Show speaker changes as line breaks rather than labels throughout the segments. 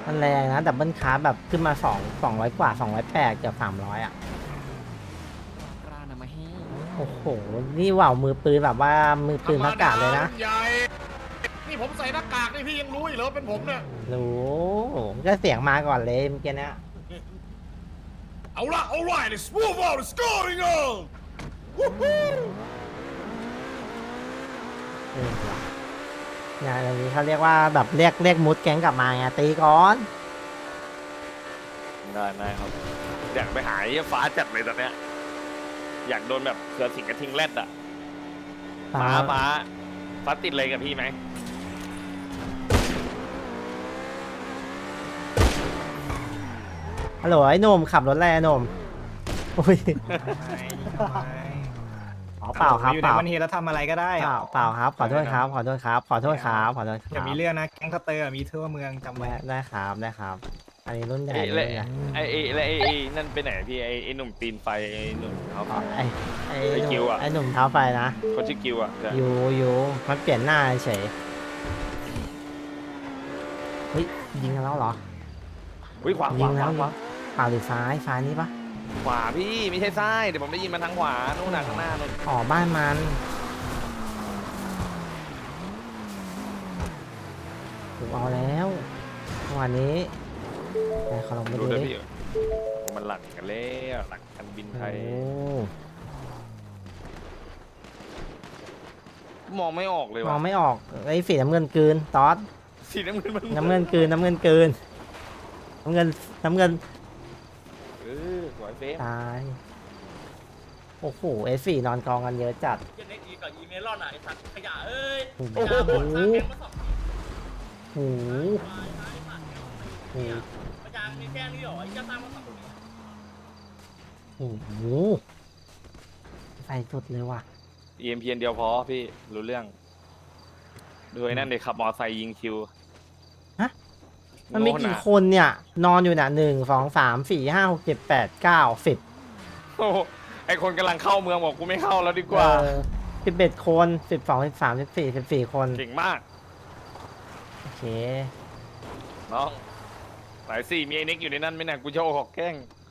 มันแรงนะดับเบิลคาร์แบบขึ้นมา200 กว่า208เกือบ300อ่ะ
กล้านะมาให้
โอ้โหนี่ว่าวมือปืนแบบว่ามือปืนพักกาดเลยนะ
ใหญ่นี่ผมใส่หน้ากากนี่พี่ยังรู้อีกเหรอเป็นผมเนี่ย
รู้ก็เสียงมาก่อนเลยเมื่อกี้เนี้ย
เอาละ alright let's move on let's going on
ว่ะงานอย่างนี้เขาเรียกว่าแบบเรียกมุดแก๊งกลับมาไงตีก่อน
ได้ครับอยากไปหาไอ้ฟ้าจัดเลยตอนเนี้ยอยากโดนแบบเสือสิงกระทิงแรดอะฟ้าติดเลยกับพี่ไหม
ฮัลโหลไอ้หนุ่มขับรถอะไรอะหนุ่มอุ้ยอ๋อเปล่าครับ
อยู่
เป
ใน
ล่า
วันนี้แล้วทำอะไรก็ได้
เปล่าครับขอโทษครับขอโทษครับขอโทษครับขอโทษค
อย่า
รับ
มีเรื่องนะแก๊งสเตอร์มีทั่วเมืองจำไว้
ได้ครับได้ครับ อันนี้รุ่นใหญ่
ไอ้
รุ่นใหญ่
นั่นไปไหนพี่ไอ้หนุ่มตีนไฟไอ้หนุ่มเขา
อ๋อไอ้
ไอ้กิวอะ
ไอ้หนุ่มเท้าไฟนะ
เขาชื่อกิวอะ
อยู่มันเปลี่ยนหน้าเฉยเฮ้ยยิงกันแล้วเหรอ
อุ้ยขวา
ยิงแล้วเปล่าหรือซ้ายนี่ปะ
ขวาพี่ไม่ใช่ซ้ายเดี๋ยวผมได้ยินมันทางขวานู่นน่ะข้างหน้านู่น
อ๋อบ้านมันถูกเอาแล้ววันนี้ไหนขอลองไป
ดู
ดู
ด้วย
ดิ
พี่มันหลักกันแล้วหลักกันบินไทย
โอ้
มองไม่ออกเลย
ม
ว่ะ
องไม่ออกไอ้สีน้ำเงินกลืนตอส
สีน้ำเงินมัน
น้ำเงินกลืนน้ำเงินกลืนน้ำเงิน
สวยเฟ้
ตายโอ้โหเอฟนอนกองกันเยอะจัด
เน็กอีกับอีเมลอนอ่ะไอ้สัตว์ขยะเอ้ย
โอ้โห
ขยะหมดสร้างแก๊งมาสอง
โอ้โห
พยางมีแค่นี้เหรอไอ้เจ้าสร้างมาสองคน
โอ้โหใส่สุดเลยว่ะ
เอ็มเพียนเดียวพอพี่รู้เรื่องดูไอ้นั่นเด็กขับมอไซค์ยิงคิว
มันมีกี่คนเนี่ย นอนอยู่น่ะ1 2 3 4 5 6 7 8 9 10
โอ้โหไอคนกำลังเข้าเมืองบอกกูไม่เข้าแล้วดีกว่า
11 คน12 13 14 คน
เก่งมาก
โอเค
น้องสายสี่มีไอ้เน็กอยู่ในนั้นไหมเนี่ยกูจะโอ้หอกแกล้ง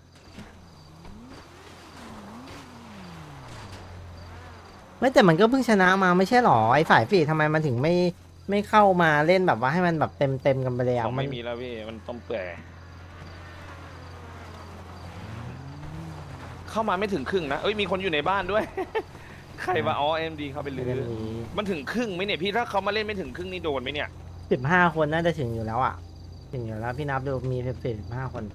ไม่แต่มันก็เพิ่งชนะมาไม่ใช่หรอไอ้ฝ่ายฝีทำไมมันถึงไม่เข้ามาเล่นแบบว่าให้มันแบบเต็มกันไปเลยอ่ะ
ของ
มัน
ไม่มีแล้วพี่มันต้มเปื่อยเข้ามาไม่ถึงครึ่งนะเอ้ยมีคนอยู่ในบ้านด้วย ใครวะอ๋อเอ็มดีเข้าไป
เดื
ลื
อน
อ
นี้
มันถึงครึ่งไหมเนี่ยพี่ถ้าเขามาเล่นไม่ถึงครึ่งนี่โดนไหมเนี่ย
15 คนน่าจะถึงอยู่แล้วอ่ะถึงอยู่แล้วพี่นับดูมี15 คน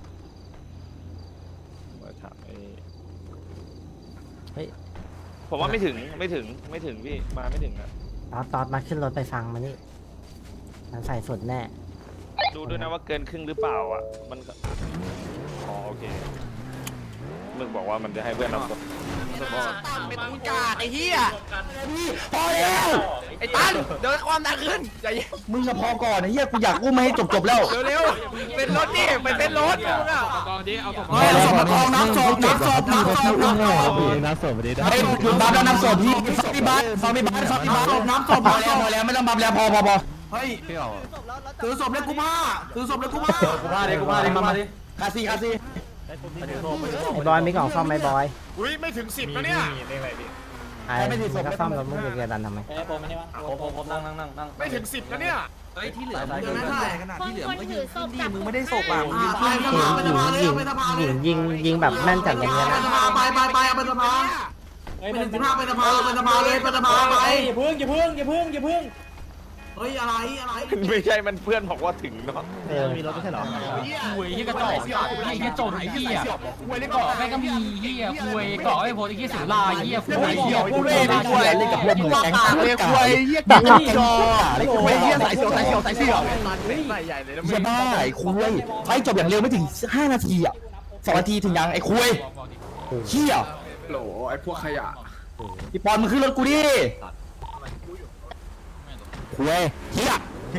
มาถามไอ้
เฮ้ย
ผมว่าไม่ถึงพี่มาไม่ถึงอะ
ตอดมาขึ้นรถไปฟังมานี่มันใส่สุดแน่
ดูด้วยนะว่าเกินครึ่งหรือเปล่าอ่ะมันก็อ๋อโอเคมึงบอกว่ามันจะให้เพื่อนรับศพ
เป็นอุกาไอ้เหี้ย
พอแล้ว
ไอ้ตันเดี๋ยวความดังขึ้นใจเย็น
มึงจะพอก่อนไอ้เหี้ยกูอยากอุ้มมาให้จบแล้ว
เร็วๆเป็นรถดิเป็นรถมึงอ่ะ
เฮ้ยเอาศพมากองน้ำศพเฮ้ยหยุดบัฟแล้วน้ำศพพี่ฟามีบ้านน้ำศพพอแล้วไม่ต้องบัฟแล้วพอเฮ้ยถือศพเลยกูมาดิคาซี
ไอ้บอยมีกล่องซ่อมไหมบอย
อุ้ยไม่ถึง10นะเนี่ย
เรื่องอะไรดิ
ไอ้ไม่ก็ซ่อมแล้วมึงจะเกียร์ดันทำไม
ไม่ถึง10นะเนี่ย
ที่เหลือมันไม่ได้ขนาดที่เหลือมันก็ยืนขึ้นดีมึงไม่ได้ศพ
หญิงแบบแม่นจัดอย่างเงี้ยนะ
ไปเอาไปสภาเป็น15เป็นสภาเลยเป็นสภาไปอย่าพึ่งเฮ้ยอะไร
ไม่ใช่มันเพื่อนบอกว่าถึงเนาะ
มีรถไม่ใช่หรอ
หวยที่กระจอกไอ้เหี้ยโจรไอ้เหี้ยเกาะแม่งก็มีเหี้ยหวยเกาะไอ้โพดไอ้เหี้ยสุราเหี้ยหวยเหี้ยกูเล่นหวยเล่นกับพวกมึงแก๊งหวยเหี้ยจอเหี้ยสายเสี่ยวเหี้ยบ้าไอ้คุยไฟจบอย่างเร็วไม่ถึง5 นาทีอ่ะ2 นาทีถึงยังไอ้คุยเหี้ย
โหลไอ้พวกขยะ
พี่ปอนมึงขึ้นรถกูดิคุยเหี้ย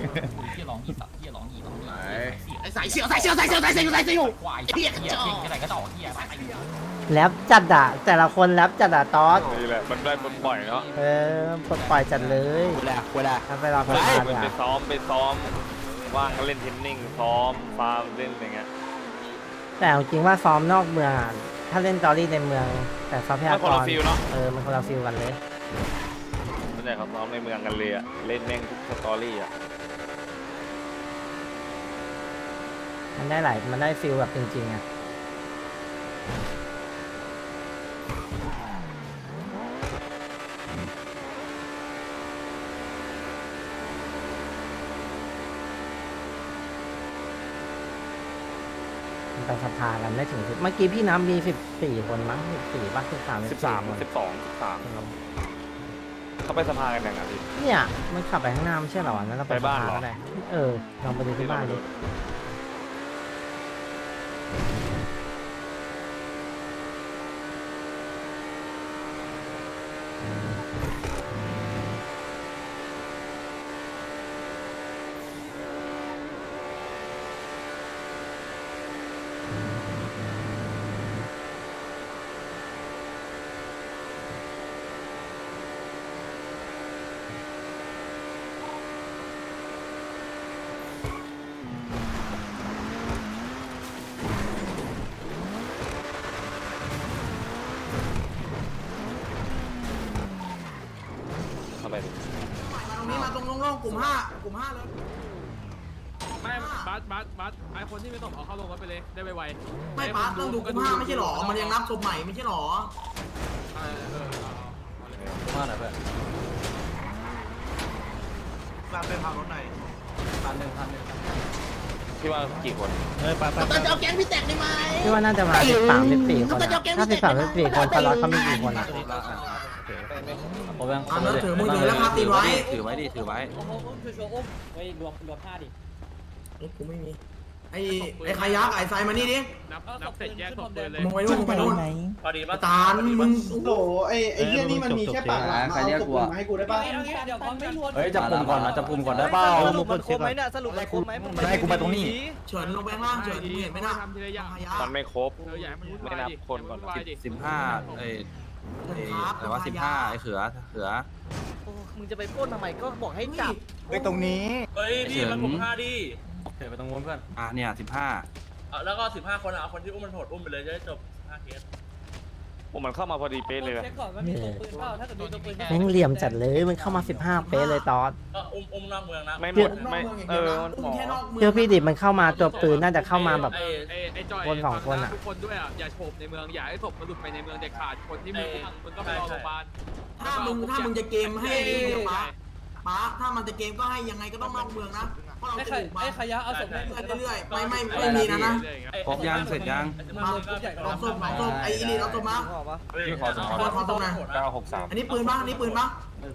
ไอ้สายเสี่ยวควายเหี้ยกระจอกอะไรกระจอกเหี้ย
แรปจัดอะแต่ละคนแรปจัดอะตอส
นี่แหละมันได้มันบ่อยเนาะ
ปลดปล่อยจัดเลย
คุยแหละ
ถ้าไปรอพ
ไป
ลาด
ไป
อะ
ซ้อมว่างก็เล่นเทนนิ่งซ้อมฟาร์มเล่นอะไรเงี้ย
แต่เอาจริงว่าซ้อมนอกเมืองอะถ้าเล่นตอรี่ในเมือง แต่ทรัพยา
มัน
ก
คน
ร
ละฟิลเนาะ
มันคนละฟิลกันเลย
ส่วนใหญ่เขาซ้อมในเมืองกันเลยอะเล่นแม่งทุกสตอรี่อะ
มันได้ฟิลแบบจริงๆอะมันไปสภากันไม่ถึง10เมื่อกี้พี่น้ำมี14 คนมั้ง14ป่ะ13
13
คน
12 13เขาไปสภากันยังไงพี่
เนี่ยมันขับไปข้างหน้าไม่ใช่เหรอนั้นเราไป
ไปบ้านเหรอ
สภก็ได้ลองไปดูที่บ้านดิ
เข้าไปดิ
ตรงนี้มาตรงโล่งๆกลุ่มห้าเลย
ไม่บัสไอคนที่ไม่ต้องเอาเข้าลงรถไปเลยได้ไว
ไม่ป้าต้องดูกลุ่มห้าไม่ใช่หรอมันยังนับศพใหม่ไม่ใช่หรอ
มาหน่อยเพื่อน
มาเป็นพารถไหน
พี่ว่ากี่คน
ตอนจะเอาแก๊งพี่แตกได้ไหม
พี่ว่าน่าจะมา13 14คนอะถ้า13 14คนสล็อตเขามีกี่คนอะ
อันนั้นถือมือถือแล้วพาตีไว้
ถือไว้ดิถือไว้
รวมผ้าดิ
กูไม่มีไอ้ขยักไอ้ทรายมานี่ดิ
ๆนับเสร็จแยกศพเลยเลย
มึงไปนู่นมึงไปนู่น
พอดีป่ะ
ตาลมึง
โหไอ้เหี้ยนี่มันมีแค่ปากหลังมาเอาศพมึงมาให้กูได้ป่ะ
เดี๋ยวเขาไม่รวม
เฮ้ยจับกลุ่มก่อนนะจับกลุ่มก่อนได้เปล่า
สรุปมันครบไหมเนี่ยสรุปมันครบไหม
มันให้กูมาตรงนี้เฉินลงไปข้างล่างเฉินมึงเห็นไหมนะ
ทำทีละอย่าง
ขยัก
มันไม่ครบ
อย่าให้มันวุ่น
ไม่
วาย
นับ
ดิ
คนก่อน
วุ่วายดิ
15แต่ว่า15ไอ้เขือ
มึงจะไปปล้นทำไมก็บอกให้จับ
เฮ้ยตรงนี้
เฮ้ยพี่มันผม5ดิ
เนี่ย15
แล้วก็15คนเอาคนที่อุ้มมันโหดอุ้มไปเลยจะได้จบ5เคส
ผมมันเข้ามาพอดีเป๊ะเลยนะ
เช็คก่อนว่ามีตัวปืนเปล่าถ้าเกิดมีตัวปืน
แม่งเหลี่ยมจัดเลยมันเข้ามา15 เป๊ะเลยตอส
ก็อุ้มนอกเมืองนะ
ไม่หมดไม่มันหมอ
เชื่อพี่ดิมันเข้ามาตัวปืนน่าจะเข้ามาแบบ
ไอ้จอย
คนสองคนอะ
ทุกคนด้วยอ่ะอย่าโฉบในเมืองอย่าให้ศพมันหลุดไปในเมืองเด็ดขาดคนที่มึงก็ไปรอโรงพยาบาล
ถ้ามึงจะเกมให้ป้าถ้ามันจะเกมก็ให้ยังไงก็ต้องนอกเมืองนะเพราะเรา
ไอ้
จะถูกมา
ขยะเอาศพให้
เรื่อยๆไม่มีนะ
ครบยังเสร็จยัง
มาเอาศพไอ้อีลีเอาศพมา
พี่ขอสอง
ขอศพหน่อย
963
อันนี้ปืนปะตัวนี้ปืนปะ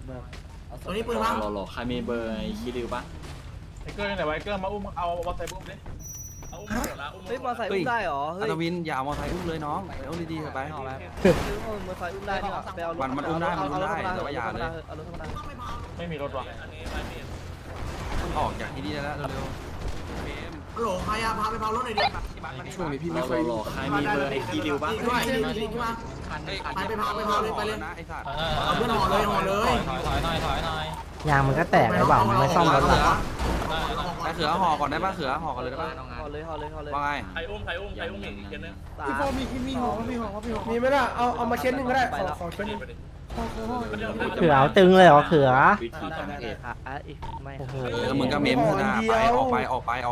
ใครมีเบอร์คิริวปะ
ไอ้เกอร์ไหนไว้เกอร์มาอุ้มเอาวอใส่อุ้มดิ
เอาอุ้มหมดละอุ้ม
เฮ้ยมอไซค์อุ้มได้เหรอเฮ้ย
อัตวินอย่าเอามอไซค์อุ้มเลยน้องเอาดีๆไป
ซื้อมอไซค์อุ้มได้ดีกว่าไปเอารถ
มันอุ้มได้แต่ว่าอย่าเลย
เอารถธรรมดา
ไม่มีรถว่ะ
อันนี้ไม่มี
ออกจากที่นี่แล้วเร็วฮัลโหลใครอะพาไปเผารถหน่อยดิช่วงนี้พี่ไม่เคยใครมีเบอร์ไอ้คีริวปะด้วยคีริวมาไปเผาเลยไปเลยเอาเพื่อนห่อเลย
ถอยหน่อย
ยางมันก็แตกเลยเปล่ามันไม่ซ่อมรถหรอ
ไอ้เขือห่อก่อนได้ป่ะเขือห่อก่อนเลยได้ป่ะ
ห่อเลย
ว่าไง
ใครอุ้มอีกเคนนึง
พี่โฟมีไหมล่ะเอามาเช็ดหนึ่งก็ได้ขอเช็ดหนึ่ง
เขือเอาตึงเลยเหรอเขือ
อีกไม่
โอ้โห
แล้วมึงก็เมมนะไปออกไป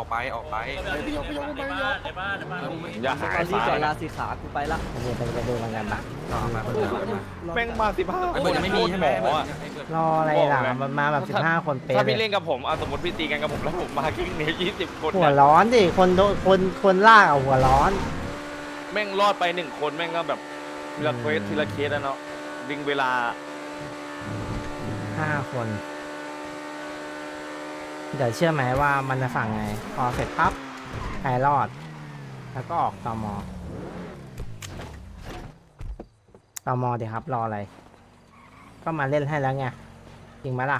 ในบ้าน
อย่าหาย
ตอนนี้
สา
ก่อย นลาสีขากูไปละ
เดี๋ยวไปดูมันกันปะ
แม่งมา15
ไอ้เบิร์ดยังไม่มีใช่ไหม
หมออะ
รออะไรล่ะมันมาแบบ15 คนเป๊ะ
ถ้า
เล
พี่
ย
เล่นกับผมสมมติพี่ตีกันกับผมแล้วผมมากิ้งเนี้ย20 คน
หัวร้อนดิคนลากเอาหัวร้อน
แม่งรอดไป1 คนแม่งก็แบบทีละเคสแล้วเนาะดึงเวลา
5 คน เดี๋ยวเชื่อไหมว่ามันจะสั่งไง พอเสร็จปั๊บใครรอด แล้วก็ออกตมเดี๋ยวครับรออะไร ก็มาเล่นให้แล้วไงจริงไหมล่ะ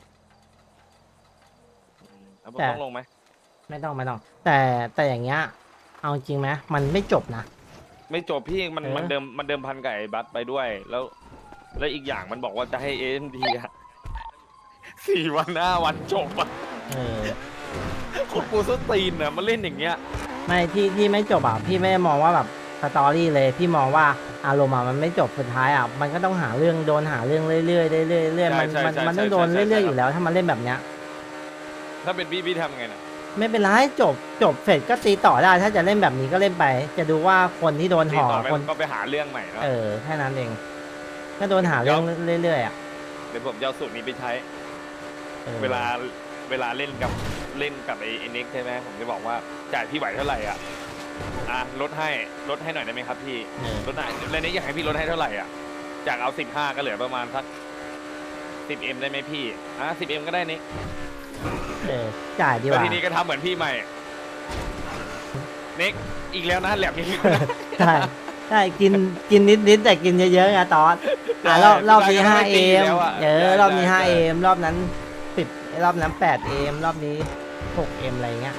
ผมต้องลงไหม
ไม่ต้องแต่อย่างเงี้ยเอาจริงไหมมันไม่จบนะ
ไม่จบพี่มัน
เออ
มันเดิมพันกับไอ้บัสไปด้วย แล้วอีกอย่างมันบอกว่าจะให้ AMD อะ4 วัน 5 วันจบอะ
เออ
โคนปูส้นตีนน่ะมาเล่นอย่างเงี้ย
ไม่ที่ไม่จบอ่ะพี่ไม่ได้มองว่าแบบสตอรี่เลยพี่มองว่าอารมณ์อ่ะมันไม่จบสุดท้ายอ่ะมันก็ต้องหาเรื่องโดนหาเรื่องเรื่อยๆเรื่อยๆเรื่อยๆมันต้องโดนเรื่อยๆอยู่แล้วถ้ามันเล่นแบบเนี้ย
ถ้าเป็นพี่ทำไงน่ะ
ไม่เป็นไรจบเสร็จก็ตีต่อได้ถ้าจะเล่นแบบนี้ก็เล่นไป จะดูว่าคนที่โดน
ตี
ห่อ
ต่อไป
คน
ก็ไปหาเรื่องใหม่เนาะ
แค่นั้นเองก็โดนหาเรื่องเรื่อยๆอ่ะ
เดี๋ยวผมจะเอาสูตรนี้ไปใช้
ออ
เวลาเล่นกับไอ้เน็กใช่ไหมผมจะบอกว่าจ่ายพี่ไหวเท่าไหร่อ่ะลดให้หน่อยได้ไหมครับพี่ ลดหน่อยแล้วเน็กอยากให้พี่ลดให้เท่าไหร่อ่ะจากเอา15ก็เหลือประมาณสัก10M ได้ไหมพี่10M ก็ได้เน็ก
จ่ายดีก
แล้ว
ว่า
ทีนี้ก็ทำเหมือนพี่ใหม่เน็กอีกแล้วนะแหลมอีกแล้วนะ
ใช่กินนิดแต่กินเยอะๆไงตอนรอบนี้ 5M รอบนี้ 5M รอบนั้น10รอบนั้น 8M รอบนี้ 6M อะไรเงี้ย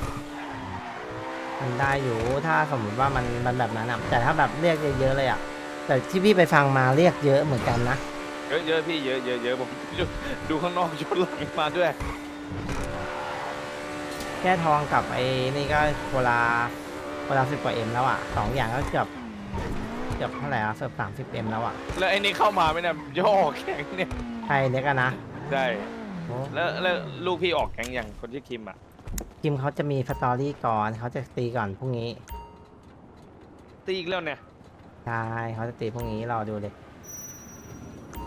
มันได้อยู่ถ้าสมมติว่ามันแบบนั้นอ่ะแต่ถ้าแบบเรียกเยอะๆเลยอ่ะแต่ที่พี่ไปฟังมาเรียกเยอะเหมือนกันนะ
เยอะพี่เยอะผมดูข้างนอกชนหลังมาด้วย
แค่ทองกับไอ้นี่ก็คนละ10 กว่า M แล้วอ่ะ2อย่างก็เกือบเท่าไหร่อ่ะเกือบ30M แล้วอ่ะ
แล้วไอ้นี่เข้ามาไหมเนี่ยย่อแข็งเนี่ย
ใครเล็กอะนะ
ใช่
โอ้
แล้วลูกพี่ออกแข็งอย่างคนชื่อคิมอ่ะ
คิมเขาจะมีสตอรี่ก่อนเขาจะตีก่อนพรุ่งนี้
ตีอีกแล้วเนี่ย
ใช่เขาจะตีพรุ่งนี้รอดูเลย